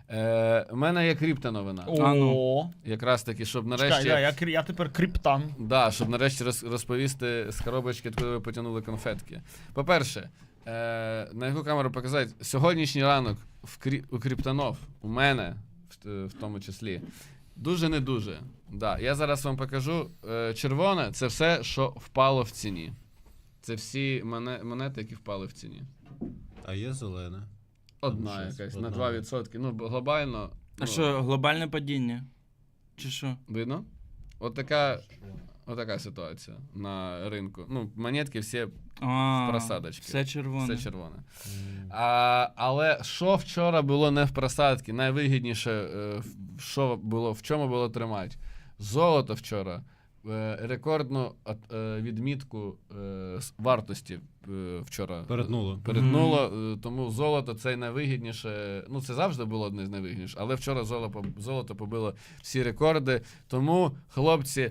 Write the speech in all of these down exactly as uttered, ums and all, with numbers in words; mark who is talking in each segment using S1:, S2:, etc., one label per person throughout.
S1: Е, у мене є криптоновина.
S2: О,
S1: Якраз таки, щоб нарешті...
S2: чекай, да, я, кр- я тепер криптан.
S1: Да, щоб нарешті роз, розповісти з коробочки, куди ви потягнули конфетки. По-перше, е, на яку камеру показати, сьогоднішній ранок в крі, у криптонов, у мене в, в тому числі, дуже не дуже. Да, я зараз вам покажу. Е, червоне — це все, що впало в ціні. Це всі моне, монети, які впали в ціні.
S3: А є зелене?
S1: Одна
S3: Там щось,
S1: якась,
S3: одна.
S1: на два відсотки. Ну, бо глобально...
S4: А
S1: ну,
S4: що, глобальне падіння? Чи що?
S1: видно? От така, от така ситуація на ринку. Ну, монетки всі
S4: А,
S1: просадочки.
S4: все червоне.
S1: Все червоне. А, але що вчора було не в просадці? Найвигідніше, е, в- що було, в чому було тримати? Золото вчора е, рекордну от- е, відмітку е, с- вартості е, вчора
S3: Перетнуло.
S1: перетнуло. е, Тому золото це найвигідніше. Ну, це завжди було одне з найвигідніших, але вчора золото, золото побило всі рекорди. Тому, хлопці,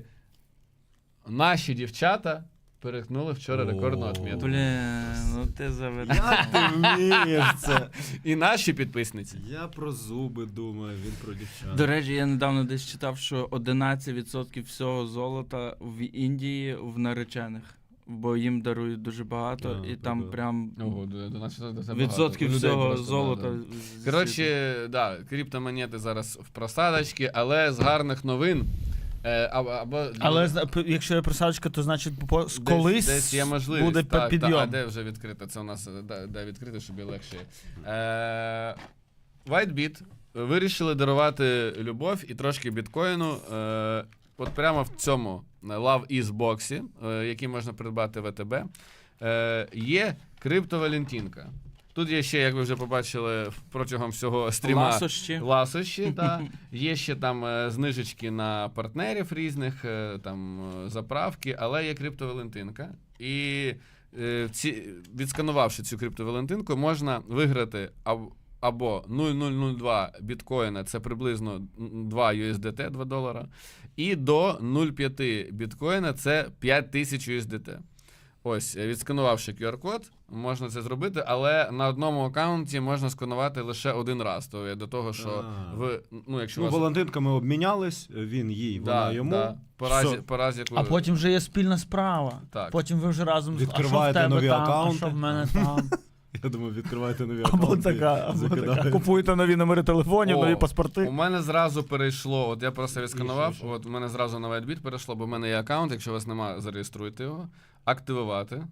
S1: наші дівчата перетнули вчора
S3: О.
S1: рекордну отмітку.
S4: Блін, ну ти заведеш.
S3: Як ти вмієш це?
S1: І наші підписниці.
S3: Я про зуби думаю, він про дівчат.
S4: До речі, я недавно десь читав, що одинадцять відсотків всього золота в Індії в наречених. Бо їм дарують дуже багато,
S3: А,
S4: і там
S3: прикольно.
S4: прям
S1: Ого, до- до нас це багато.
S4: відсотків
S1: Людей
S4: всього
S1: просто,
S4: золота.
S1: да, да.
S4: з-
S1: Коротше, да, криптомонети зараз в просадочці, але з гарних новин. Е, або, або,
S2: Але зна- п- якщо є просадочка, то значить по-
S1: десь,
S2: колись
S1: десь є можливість.
S2: буде
S1: так,
S2: підйом.
S1: так, а де вже відкрито? Це у нас е, де, де відкрито, щоб і легше. Е, WhiteBit вирішили дарувати любов і трошки біткоїну. Е, от прямо в цьому Love Is боксі, е, який можна придбати в АТБ, е, є криптовалентинка. Тут є ще, як ви вже побачили протягом всього стріма,
S4: Ласощі.
S1: ласощі, да. Є ще там е, знижечки на партнерів різних, е, там е, заправки, але є криптовалентинка. І е, ці, відсканувавши цю криптовалентинку, можна виграти або, або нуль нуль нуль два біткоїна, це приблизно два ю ес ді ти, два долара, і до нуль цілих п'ять біткоїна, це п'ять тисяч ю ес ді ти. Ось, відсканувавши ку ар-код, можна це зробити, але на одному аккаунті можна сканувати лише один раз. То до того, що
S3: А.
S1: ви, ну, якщо
S3: Ну,
S1: у вас...
S3: Валентинками обмінялись, він їй,
S1: Да,
S3: вона йому.
S1: да. По разі,
S3: Все.
S1: по разі, яку...
S2: А потім вже є спільна справа.
S1: Так.
S2: Потім ви вже разом з-
S3: Відкриваєте
S2: а що в тебе
S3: нові
S2: там,
S3: акаунти.
S2: а що в мене там.
S3: Я думаю, відкривайте нові
S2: Або
S3: аккаунти.
S2: така, або така.
S3: закидаєте.
S2: Купуєте нові номери телефонів,
S1: О,
S2: нові
S1: У
S2: паспорти.
S1: мене зразу перейшло, от я просто відсканував,
S3: І що, що?
S1: от у мене зразу на WhiteBit перейшло, бо в мене є аккаунт, якщо у вас немає, зареєструйте його, активувати,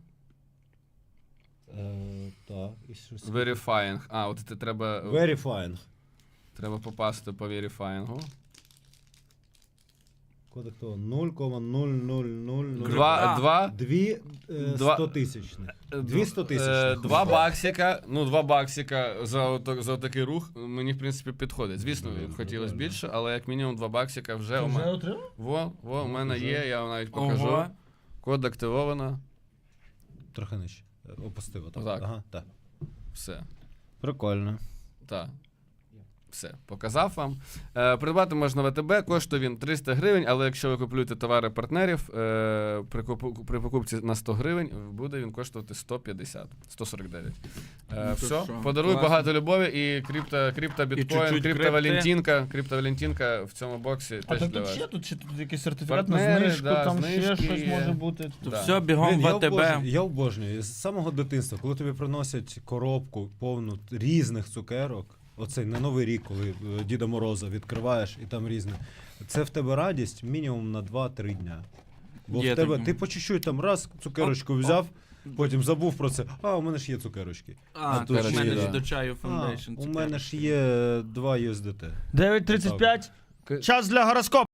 S3: Е, Так, і щось.
S1: verifying, а, от це треба,
S3: Verifying.
S1: треба попасти по verifying.
S3: Код хто? нуль цілих нуль нуль нуль нуль.
S1: Два,
S4: А.
S1: два,
S3: Дві е,
S1: Два-
S3: стотисячних.
S1: Е,
S3: Дві стотисячних.
S1: е, Два баксика, ну два баксика за, ото, за такий рух мені, в принципі, підходить. Звісно,
S3: Ну,
S1: хотілося
S3: нормально.
S1: більше, але як мінімум два баксика вже у
S2: Вже
S1: мене.
S2: отримав?
S1: Во, во, у
S3: Ну,
S1: мене
S3: вже.
S1: є, я вам навіть покажу.
S4: Ого.
S1: Код активовано,
S3: Трохи нижче. Е, Опустив отак.
S1: Так.
S3: Ага, так.
S1: все.
S3: Прикольно.
S1: Так. Все, показав вам. Е, придбати можна в АТБ, коштує він триста гривень, але якщо ви купуєте товари партнерів, е, при, купу, при покупці на сто гривень буде він коштувати сто п'ятдесят, сто сорок дев'ять. Е,
S4: Ну, то
S1: все,
S4: що,
S1: подаруй
S4: класно.
S1: багато любові і крипто, крипто біткоін,
S4: чуть-чуть
S1: криптовалентинка, криптовалентинка в цьому боксі
S2: А
S1: теж
S2: то
S1: для
S2: тут
S1: вас.
S2: ще, тут ще тут якийсь сертифікат на
S1: Партнери,
S2: знижку,
S1: да,
S2: там ще
S1: знижки
S2: щось
S1: є.
S2: може бути.
S4: То
S1: Да.
S4: все, бігом
S3: Блін,
S4: в
S3: я
S4: АТБ.
S3: обожнюю, я обожнюю. З самого дитинства, коли тобі приносять коробку повну різних цукерок, оцей на Новий рік, коли е, Діда Мороза відкриваєш і там різне. Це в тебе радість мінімум на два-три дня. Бо
S4: Є
S3: в тебе
S4: таке.
S3: ти по чуть-чуть там раз цукерочку взяв, потім забув про це. А, у мене ж є цукерочки.
S4: А,
S3: тут
S4: тут
S1: ще
S4: в мене
S1: є,
S4: ж
S1: да.
S4: до чаю
S3: А,
S4: фондейшн.
S3: у мене ж є два ю ес ді ти.
S2: дев'ять тридцять п'ять. Час для гороскопу.